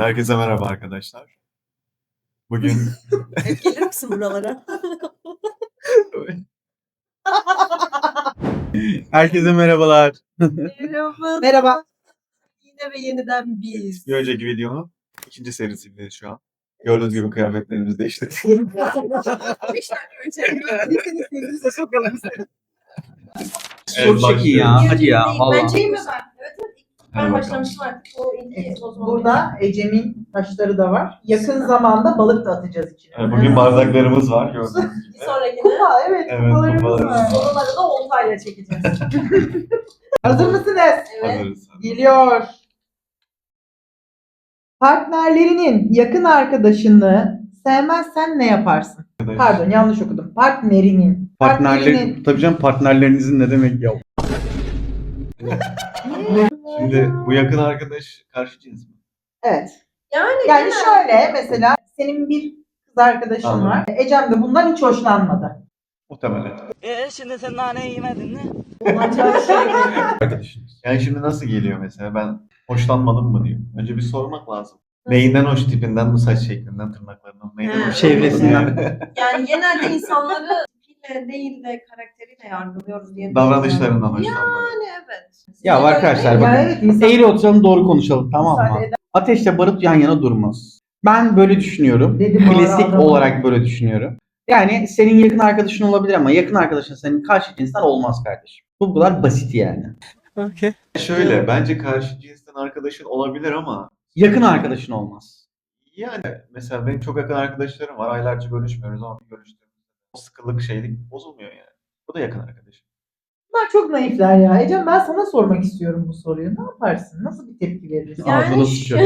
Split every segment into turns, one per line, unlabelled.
Herkese merhaba arkadaşlar. Bugün
Hep gelir misin buralara?
Herkese merhabalar.
Merhaba.
Merhaba.
Yine ve yeniden biz.
bir önceki videonun ikinci serisindeyiz şu an. Gördüğünüz gibi kıyafetlerimiz değişti.
5 dakika önce senin sevgilinize sokalım seni.
Çok çekin ya. Hadi ya.
Ben
Valla.
çekeyim mi ben? Evet.
Hadi
Ben
bakalım.
başlamıştım artık. O ilgi o zaman.
Burada Ecem'in taşları da var. Yakın zamanda balık da atacağız içine.
Bugün bardaklarımız var gördüğünüz
Bir
gibi.
sonrakine
Kupa, evet,
Evet,
kupalarımız
kupalarımız
var.
var.
onları da oltayla çekeceğiz.
Hazır mısınız?
Evet.
Hazırız.
Geliyor. Partnerlerinin yakın arkadaşını sevmezsen ne yaparsın? Pardon, yanlış okudum. Partnerinin.
Partnerler, tabii canım, partnerlerinizin ne demek ya?
Şimdi bu yakın arkadaş karşı cins mi?
Evet.
Yani
Yani şöyle mesela senin bir kız arkadaşın
Anladım.
var. Ecem de bundan hiç hoşlanmadı.
Muhtemelen.
Şimdi sen nane yemedin mi?
olacağı şey.
Arkadaşınız.
Yani şimdi nasıl geliyor mesela ben hoşlanmadım mı diyor. Önce bir sormak lazım. Neyinden hoş, tipinden mi, saç şeklinden, tırnaklarından, neyden
He.
hoş?
Çevresinden.
Yani genelde insanları tipiyle değil de karakteriyle yargılıyoruz diye
Davranışlarından hoşlanmadım.
Yani evet.
Ya
Sizce
arkadaşlar
öyle
bakın.
Yani evet, insan
Eğri oturalım, doğru konuşalım, tamam
müsaade
mı?
eder.
Ateşle barut yan yana durmaz. Ben böyle düşünüyorum.
Dedim
Klasik
adama.
olarak böyle düşünüyorum. Yani senin yakın arkadaşın olabilir ama yakın arkadaşın senin karşı cinsten olmaz kardeşim. Bu kadar basit yani.
Şöyle bence karşı cinsten arkadaşın olabilir ama
Yakın arkadaşın olmaz.
yani mesela benim çok yakın arkadaşlarım var. Aylarca görüşmüyoruz ama bir görüştüğümüzde o sıkılık şeylik bozulmuyor yani. Bu da yakın arkadaşım.
Bunlar çok naifler ya. Ecem ben sana sormak istiyorum bu soruyu. Ne yaparsın? Nasıl bir tepki verirsin?
Yani
Ağzına sıçıyor.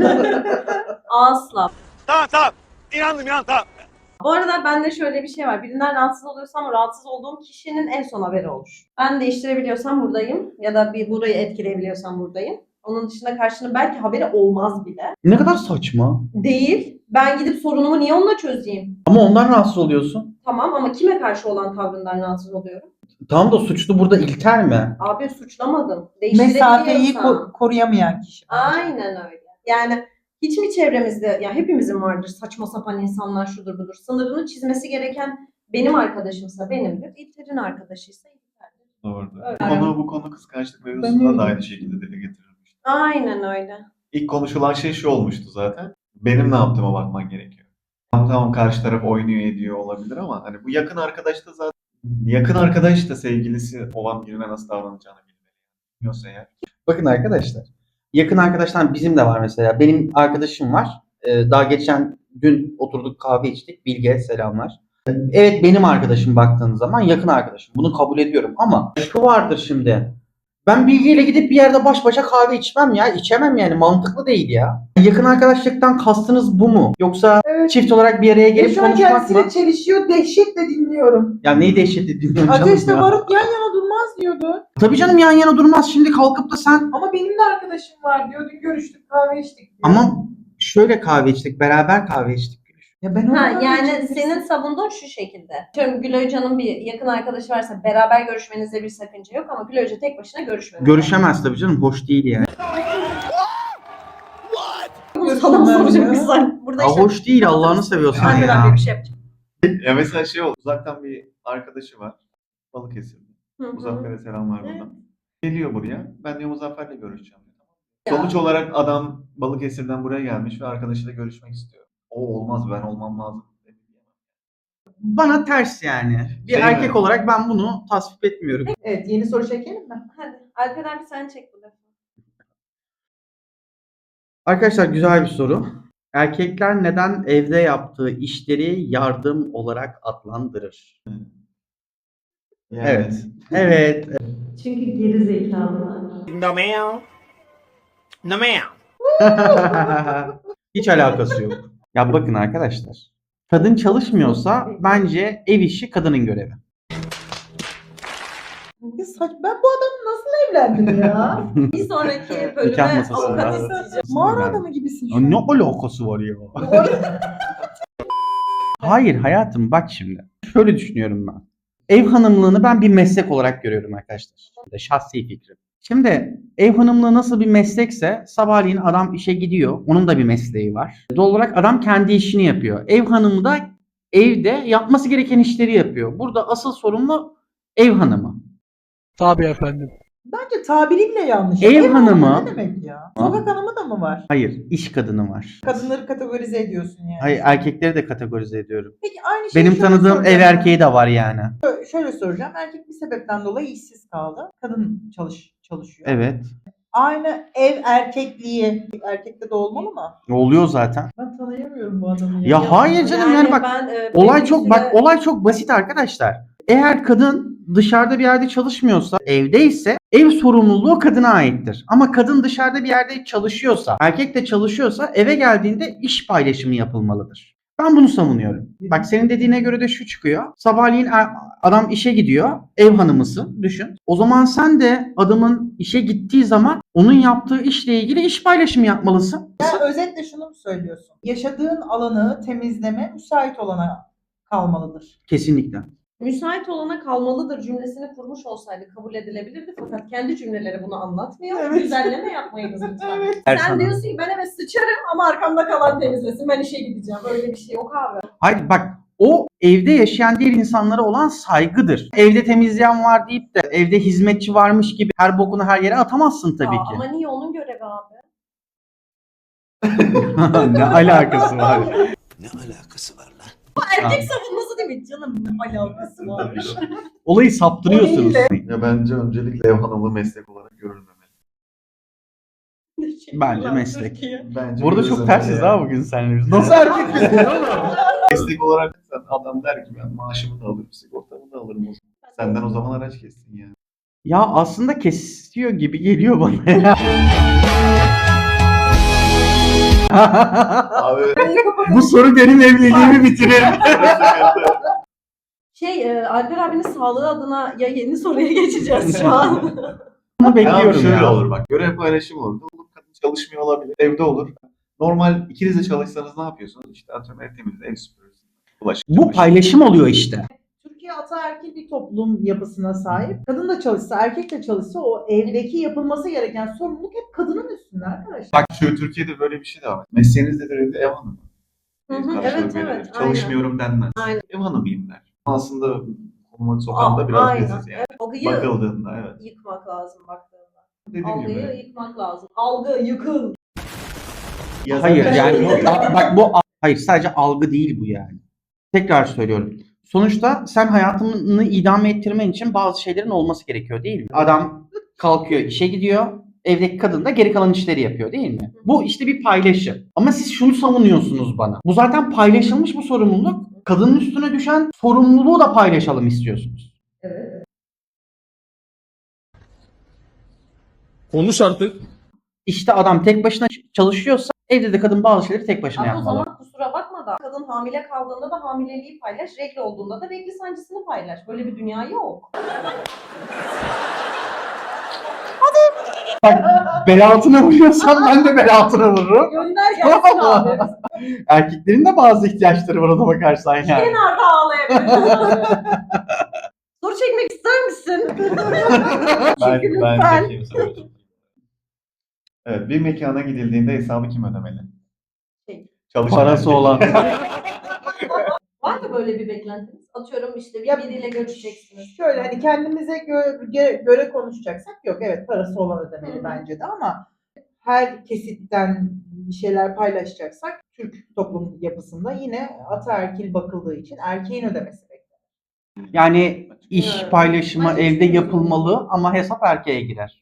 Asla.
Tamam. İnandım tamam.
Bu arada bende şöyle bir şey var. Birinden rahatsız oluyorsam rahatsız olduğum kişinin en son haberi olur. Ben değiştirebiliyorsam buradayım. Ya da bir burayı etkileyebiliyorsam buradayım. Onun dışında karşının belki haberi olmaz bile.
Ne kadar saçma.
Değil. Ben gidip sorunumu niye onunla çözeyim?
Ama ondan rahatsız oluyorsun.
Tamam ama kime karşı olan tavrından rahatsız oluyorum?
Tamam da suçlu burada İlker mi?
Abi suçlamadım.
Mesafeyi
Değiştirebiliyorsam.
koruyamayan kişi.
Aynen öyle. Yani hiç mi çevremizde, ya hepimizin vardır saçma sapan insanlar şudur budur. Sınırını çizmesi gereken benim arkadaşımsa benimdir. İlter'in arkadaşıysa İlter'dir.
Doğru.
Öyle.
Bu konu kıskançlık mevzusunda da aynı şekilde dile getirilmiş.
Aynen öyle.
İlk konuşulan şey şu olmuştu zaten. Benim ne yaptığıma bakman gerekiyor. Tamam karşı taraf oynuyor ediyor olabilir ama hani bu yakın arkadaş da zaten yakın arkadaş da sevgilisi olan birine nasıl davranacağını bilmiyorsa eğer.
Bakın arkadaşlar. Yakın arkadaşlar bizim de var mesela. Benim arkadaşım var. Daha geçen dün oturduk kahve içtik. Bilge selamlar. Evet benim arkadaşım baktığın zaman yakın arkadaşım. Bunu kabul ediyorum ama şu vardır şimdi. Ben Bilge ile gidip bir yerde baş başa kahve içmem ya. İçemem yani. Mantıklı değil ya. Yakın arkadaşlıktan kastınız bu mu? Yoksa
Evet.
çift olarak bir araya
Ve
gelip
şu an
konuşmak
kendisiyle
mı?
çelişiyor. Dehşetle dinliyorum.
Ya neyi dehşetli dinliyorum canım
Ateşle
ya.
barut yan yana durmaz diyordu.
Tabii canım yan yana durmaz. Şimdi kalkıp da sen
Ama benim de arkadaşım var diyor. Dün görüştük kahve içtik diyor.
ama şöyle kahve içtik. Beraber kahve içtik.
Ya ben
Ha,
ondan
yani
geçtim.
senin savunduğun şu şekilde. Diyorum Gül Hoca'nın bir yakın arkadaşı varsa beraber görüşmenizde bir sakınca yok ama Gül Hoca tek başına görüşmemeli.
Görüşemez tabii canım. Hoş değil yani.
Bunu sana mı soracak bir sen? Burada
Ya
işte
hoş değil Allah'ını seviyorsan
arkadan
ya.
bir şey yapacağım.
Ya mesela şey oldu. Uzaktan bir arkadaşı var. Balıkesir'de.
Hı hı.
Muzaffer'e selamlar
Evet.
buradan. Geliyor buraya. Ben diyor Muzaffer'le görüşeceğim.
Ya.
Sonuç olarak adam Balıkesir'den buraya gelmiş ve arkadaşıyla görüşmek istiyor. O olmaz ben olmam lazım.
Bana ters yani. Bir
Şey
erkek
mi?
olarak ben bunu tasvip etmiyorum.
Evet, yeni soru çekelim mi?
Hadi Alper abi sen çek bu defa.
Arkadaşlar güzel bir soru. Erkekler neden evde yaptığı işleri yardım olarak adlandırır?
Yani,
Evet. Evet.
Çünkü geri zekalılar.
No meow. No meow.
Hiç alakası yok. Ya bakın arkadaşlar. Kadın çalışmıyorsa bence ev işi kadının görevi.
Ya ben bu adamla nasıl evlendim ya?
Bir sonraki
Nikah
bölüme
masasında.
avukat isteyeceğim.
Mağara adamı gibisin şu
Ya
an.
ne alakası var ya? Hayır hayatım bak şimdi. Şöyle düşünüyorum ben. Ev hanımlığını ben bir meslek olarak görüyorum arkadaşlar. Şahsi fikrim. Şimdi ev hanımlığı nasıl bir meslekse sabahleyin adam işe gidiyor. Onun da bir mesleği var. Doğal olarak adam kendi işini yapıyor. Ev hanımı da evde yapması gereken işleri yapıyor. Burada asıl sorumlu ev hanımı.
Tabii efendim.
Bence tabiri bile yanlış.
Ev hanımı-
ne demek ya? Sokak hanımı da mı var?
Hayır, iş kadını var.
Kadınları kategorize ediyorsun yani.
Hayır, erkekleri de kategorize ediyorum.
Peki aynı şeyi
Benim
şöyle
tanıdığım ev
soracağım.
erkeği de var yani.
Şöyle soracağım. Erkek bir sebepten dolayı işsiz kaldı. Kadın çalışıyor.
Evet.
Aynı ev erkekliği erkekte de olmalı mı?
Oluyor zaten.
Ben tanıyamıyorum bu adamı ya.
Ya hayır canım yani bak
ben,
olay
bir
çok
süre-
olay çok basit arkadaşlar. Eğer kadın dışarıda bir yerde çalışmıyorsa, evdeyse ev sorumluluğu kadına aittir. Ama kadın dışarıda bir yerde çalışıyorsa, erkek de çalışıyorsa eve geldiğinde iş paylaşımı yapılmalıdır. Ben bunu savunuyorum. Bak senin dediğine göre de şu çıkıyor. Sabahleyin adam işe gidiyor. Ev hanımısın düşün. O zaman sen de adamın işe gittiği zaman onun yaptığı işle ilgili iş paylaşımı yapmalısın.
Yani özetle şunu mu söylüyorsun? Yaşadığın alanı temizleme müsait olana kalmalıdır.
Kesinlikle.
Müsait olana kalmalıdır cümlesini kurmuş olsaydı kabul edilebilirdi fakat kendi cümleleri bunu anlatmıyor.
Evet.
Güzelleme yapmayınız lütfen.
Her
Sen
sana.
diyorsun ki ben eve sıçarım ama arkamda kalan temizlesin. Ben işe gideceğim. Öyle bir şey yok abi.
Hayır bak o evde yaşayan diğer insanlara olan saygıdır. Evde temizleyen var deyip de evde hizmetçi varmış gibi her bokunu her yere atamazsın tabii ki.
Ama niye onun görevi abi?
Ne alakası var?
Ne alakası var lan?
Erkek savunması değil mi? Canım ne alakası var?
Olayı saptırıyorsunuz.
Ya bence öncelikle ev hanımlığı meslek olarak görülmemeli.
Bence meslek.
Bence
Burada çok
görülmemeli
tersiz
yani.
ha bugün seninle biz. Nasıl erkek misin oğlum?
Meslek olarak adam der ki ben maaşımı da alırım, sigortamı da alırım o zaman. Senden o zaman araç kessin yani.
Ya aslında kesiyor gibi geliyor bana ya.
Abi
Bu soru benim evliliğimi bitirir.
Alper abinin sağlığı adına ya yeni soruya geçeceğiz şu an.
Bunu
abi
bekliyorum
şöyle
ya.
olur bak. Görev paylaşımı olur. Olur kadın çalışmıyor olabilir. Evde olur. Normal ikiniz de çalışsanız ne yapıyorsunuz? İşte atıyorum ev temizliği, ev süpürürsün. Bulaşık
Bu
çamaşır.
paylaşım oluyor işte.
Türkiye ataerkil bir toplum yapısına sahip. Kadın da çalışsa, erkek de çalışsa o evdeki yapılması gereken sorumluluk hep kadının üstünde arkadaşlar.
Bak şu Türkiye'de böyle bir şey de var. Mesleğiniz nedir evde? Ev hanımı.
Hı hı,
Karşılığı
evet,
verilir.
evet,
Çalışmıyorum denmez.
Aynen.
Ev hanımıyım der. Aslında konuma sokan da biraz
Aynen.
biziz yani.
Algıyı
Bakıldığında evet.
yıkmak lazım baktığında.
Dediğim
Algıyı
gibi.
yıkmak lazım. Algı yıkıl.
Ya
Hayır
zaten-
yani bak bu hayır sadece algı değil bu yani. Tekrar söylüyorum. Sonuçta sen hayatını idame ettirmen için bazı şeylerin olması gerekiyor değil mi? Adam kalkıyor işe gidiyor. Evdeki kadın da geri kalan işleri yapıyor değil mi? Bu işte bir paylaşım. Ama siz şunu savunuyorsunuz bana. Bu zaten paylaşılmış bu sorumluluk. Kadının üstüne düşen sorumluluğu da paylaşalım istiyorsunuz.
Evet.
Konuş artık.
İşte adam tek başına çalışıyorsa evde de kadın bazı şeyleri tek başına
Ama o
yapmalı.
zaman kusura bakma da kadın hamile kaldığında da hamileliği paylaş, regl olduğunda da regl sancısını paylaş. Böyle bir dünya yok.
Bel altına vuruyorsan ben de bel altına vururum.
Gönder gelsin abi.
Erkeklerin de bazı ihtiyaçları var ona bakarsan yani.
Kenarda ağlayabilirsin. Soru çekmek ister misin? Çünkü
Ben
lütfen.
çekeyim sana. Evet, bir mekana gidildiğinde hesabı kim ödemeli?
Şey.
Çalışan
Parası
erkek.
olan.
Var mı böyle bir beklentiniz? Atıyorum işte
Ya-
biriyle görüşeceksiniz.
Şöyle hani kendimize göre konuşacaksak yok, evet parası olan ödemeli
Hı.
bence de, ama her kesitten bir şeyler paylaşacaksak Türk toplum yapısında yine ataerkil bakıldığı için erkeğin ödemesi beklenir.
Yani iş
Evet.
paylaşımı
Bence
evde
çok
yapılmalı ama hesap erkeğe girer.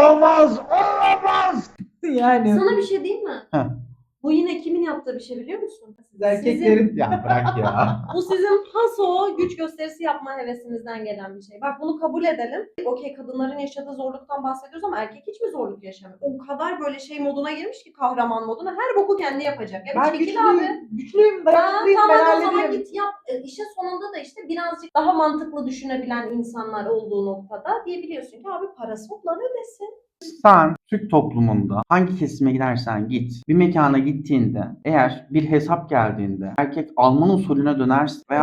Yani
Sana bir şey diyeyim mi?
Heh.
Bu yine kimin yaptığı bir şey biliyor musun?
siz erkeklerin
Ya bırak ya.
Bu sizin paso güç gösterisi yapma hevesinizden gelen bir şey. Bak bunu kabul edelim. Okey kadınların yaşadığı zorluktan bahsediyoruz ama erkek hiç mi zorluk yaşamıyor? O kadar böyle şey moduna girmiş ki kahraman moduna. Her boku kendi yapacak. Ya
ben
bir çekil abi.
güçlüyüm, dayanıklıyım,
Tamam
ben
o zaman
hallederim.
git yap. İşin sonunda da işte birazcık daha mantıklı düşünebilen insanlar olduğu noktada diyebiliyorsun ki abi parası olan ödesin.
Sen Türk toplumunda hangi kesime gidersen git, bir mekana gittiğinde eğer bir hesap geldiğinde erkek Alman usulüne dönerse veya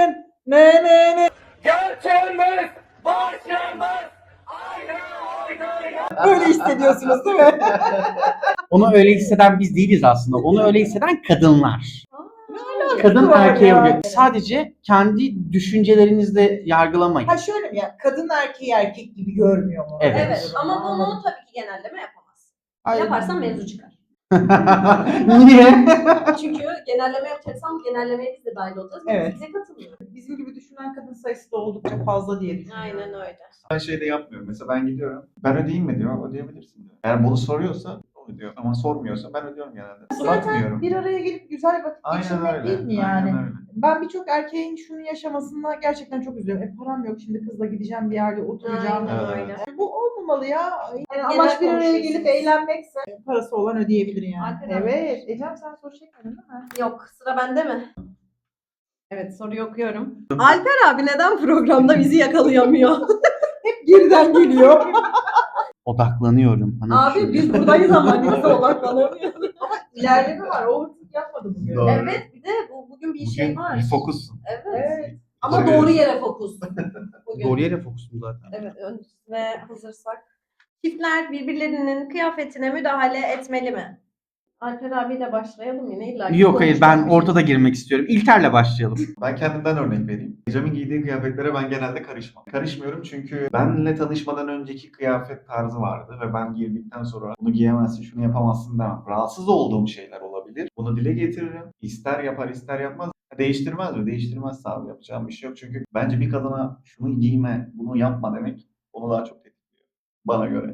Gerçeğimiz başımız ayrı oynar.
Öyle hissediyorsunuz değil mi?
Onu öyle hisseden biz değiliz aslında. Onu öyle hisseden kadınlar. Kadın
var
erkeğe
ya?
uyuyor. Sadece kendi düşüncelerinizle yargılamayın.
Ha şöyle mi ya? Kadın erkeği erkek gibi görmüyor mu?
Evet.
Evet ama bunu tabii ki genelleme yapamazsın.
Ay,
Yaparsan mevzu çıkar.
Niye?
Çünkü genelleme yapacaksan bu genellemeye biz de dahil olacağız.
Evet.
Bize katılmıyor.
Bizim gibi düşünen kadın sayısı da oldukça fazla diye düşünüyorum.
Aynen öyle.
Ben şey de yapmıyorum. Mesela ben gidiyorum. Ben ödeyeyim mi diyor. Ödeyebilirsin diyor. Eğer bunu soruyorsa o ödüyor. Ama sormuyorsa ben ödüyorum genelde.
Zaten
Bakmıyorum.
bir araya gelip güzel vakit
Aynen
geçirmek
öyle.
değil mi yani?
Aynen öyle.
Ben birçok erkeğin şunu yaşamasına gerçekten çok üzülüyorum. Param yok şimdi kızla gideceğim bir yerde oturacağım.
Aynen
Evet,
öyle.
Bu olmamalı ya. Yani
Genel
amaç bir araya
konuşuyorsunuz.
gelip eğlenmekse parası olan ödeyebilir yani.
Alper abi.
Evet. Ecem sen soru çekmedin değil mi?
Yok, sıra bende mi? Evet, soruyu okuyorum. Alper abi neden programda bizi yakalayamıyor?
Hep geriden geliyor.
Odaklanıyorum.
Abi biz buradayız ama bize odaklanamıyoruz.
İlerleme var. Overthink yapmadı bugün.
Doğru.
Evet, bir de bugün bir şey
Bugün
var.
bir fokussun.
Evet.
Evet.
Ama
Evet.
doğru yere fokus. Bugün.
Doğru yere fokusum zaten.
Evet, ve hazırsak. Çiftler birbirlerinin kıyafetine müdahale etmeli mi? Alper abiyle başlayalım yine. İlla ki
Yok hayır ben
konuşacak bir şey.
ortada girmek istiyorum. İlker'le başlayalım.
Ben kendimden örnek vereyim. Ecem'in giydiği kıyafetlere ben genelde karışmam. Karışmıyorum çünkü benle tanışmadan önceki kıyafet tarzı vardı ve ben girdikten sonra bunu giyemezsin, şunu yapamazsın demem. Rahatsız olduğum şeyler olabilir. Bunu dile getiririm. İster yapar, ister yapmaz. Değiştirmez mi? Değiştirmezse abi yapacağım bir şey yok. Çünkü bence bir kadına şunu giyme, bunu yapma demek onu daha çok tetikliyor. Bana göre.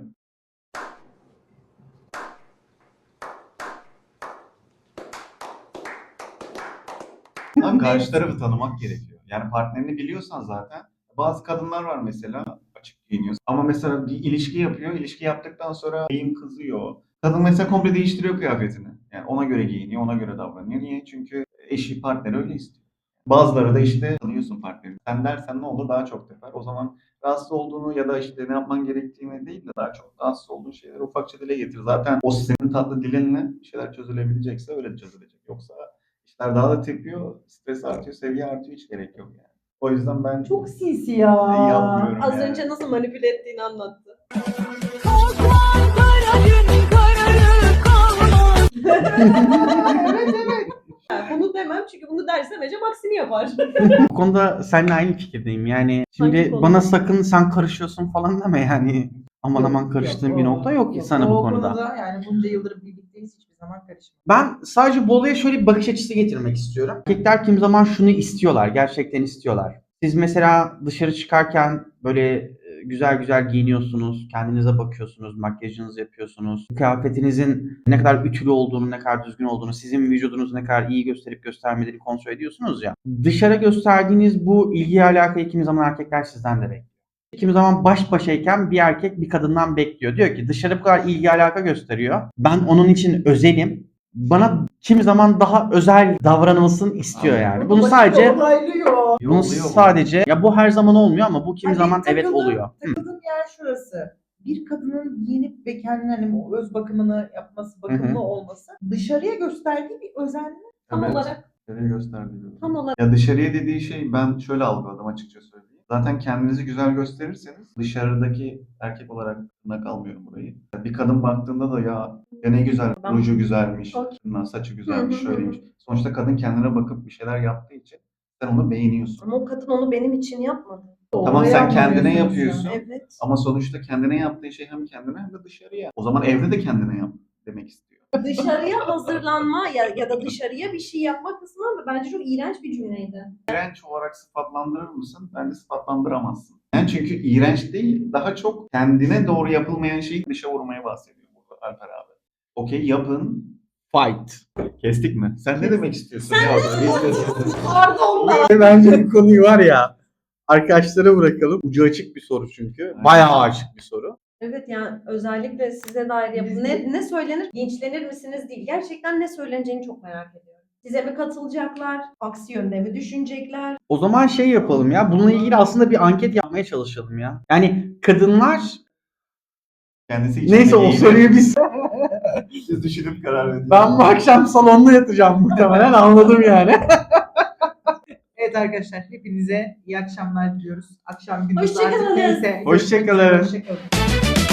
Abi karşı tarafı tanımak gerekiyor. Yani partnerini biliyorsan zaten. Bazı kadınlar var mesela açık giyiniyor. Ama mesela bir ilişki yapıyor. İlişki yaptıktan sonra beyim kızıyor. Kadın mesela komple değiştiriyor kıyafetini. Yani ona göre giyiniyor, ona göre davranıyor. Niye? Çünkü eşi, partneri öyle istiyor. Bazıları da işte tanıyorsun partnerini. Sen dersen ne olur daha çok teper. O zaman rahatsız olduğunu ya da işte ne yapman gerektiğini değil de daha çok rahatsız olduğun şeyleri ufakça dile getir. Zaten o senin tatlı dilinle bir şeyler çözülebilecekse öyle çözülecek. Yoksa işler daha da tepiyor, stres artıyor, seviye artıyor, hiç gerek yok yani. O yüzden ben
Çok sinsi ya.
yapmıyorum
Az
yani.
önce nasıl manipüle ettiğini anlattı.
Evet evet.
Yani bunu demem çünkü bunu dersem Ecem aksini yapar.
Bu konuda seninle aynı fikirdeyim. Yani şimdi
Hangi konuda?
bana sakın sen karışıyorsun falan deme yani. Aman
Yok,
aman karıştığım
yok,
bir
o-
nokta yok ki sana bu
o
konuda.
Yani bunca yıldır birlikteyiz hiçbir zaman karışmadık.
Ben sadece bu olaya şöyle bir bakış açısı getirmek istiyorum. Erkekler kim zaman şunu istiyorlar, gerçekten istiyorlar. Siz mesela dışarı çıkarken böyle güzel güzel giyiniyorsunuz, kendinize bakıyorsunuz, makyajınızı yapıyorsunuz. Kıyafetinizin ne kadar ütülü olduğunu, ne kadar düzgün olduğunu, sizin vücudunuzu ne kadar iyi gösterip göstermediğini kontrol ediyorsunuz ya. Dışarı gösterdiğiniz bu ilgi alakayı kimi zaman erkekler sizden de bekliyor. Kimi zaman baş başayken bir erkek bir kadından bekliyor. Diyor ki dışarı bu kadar ilgi alaka gösteriyor. Ben onun için özelim. Bana kimi zaman daha özel davranılsın istiyor yani. Bunu sadece
Onaylıyor.
bunu
Oluyor bu.
sadece ya bu her zaman olmuyor ama bu kimi
Hani
zaman evet
takıldığım-
oluyor. Hı.
Takıldığım yer şurası. Bir kadının giyinip ve kendine hani o öz bakımını yapması, bakımlı
Hı hı.
olması dışarıya gösterdiği bir özenme.
Tam
Evet.
olarak.
Dışarıya gösterdiği gibi.
Tam olarak.
Ya dışarıya dediği şey ben şöyle algıladım açıkça söyleyeyim. Zaten kendinizi güzel gösterirseniz dışarıdaki erkek olarak aklına kalmıyorum burayı. Bir kadın baktığında da ya ne güzel,
Ben-
ruju güzelmiş,
Çok-
saçı güzelmiş,
Hı hı hı.
şöyleymiş. Sonuçta kadın kendine bakıp bir şeyler yaptığı için sen onu beğeniyorsun.
Ama o kadın onu benim için yapmadı.
Tamam
Oraya
sen kendine
anlamıyorsunuz
yapıyorsun.
yani.
Evet.
Ama sonuçta kendine yaptığı şey hem kendine hem de dışarıya. O zaman evde de kendine yap demek istiyor.
Dışarıya hazırlanma ya da dışarıya bir şey yapma kısmı ama bence çok iğrenç bir cümleydi.
İğrenç olarak sıfatlandırır mısın? Bence sıfatlandıramazsın. Yani çünkü iğrenç değil, daha çok kendine doğru yapılmayan şeyi dışa vurmaya bahsediyor burada Alper abi. Okey yapın.
Fight.
Kestik mi? Sen ne demek istiyorsun?
Sen
ya?
Pardon da.
Bence bu konuyu var ya arkadaşlara bırakalım. Ucu açık bir soru çünkü. Bayağı açık bir soru.
Evet yani özellikle size dair yapın. Ne söylenir? Linçlenir misiniz değil. Gerçekten ne söyleneceğini çok merak ediyorum. Size mi katılacaklar? Aksi yönde mi düşünecekler?
O zaman şey yapalım ya. Bununla ilgili aslında bir anket yapmaya çalışalım ya. Yani kadınlar
Kendisi için
neyse
de
o
değil.
soruyu biz
Siz düşünüp karar verin.
ben bu akşam salonda yatacağım muhtemelen anladım yani.
Evet arkadaşlar hepinize iyi akşamlar diliyoruz. Akşam gündüz
Hoşça
artık
kalın.
neyse.
Hoşça kalın.
Hoşça kalın.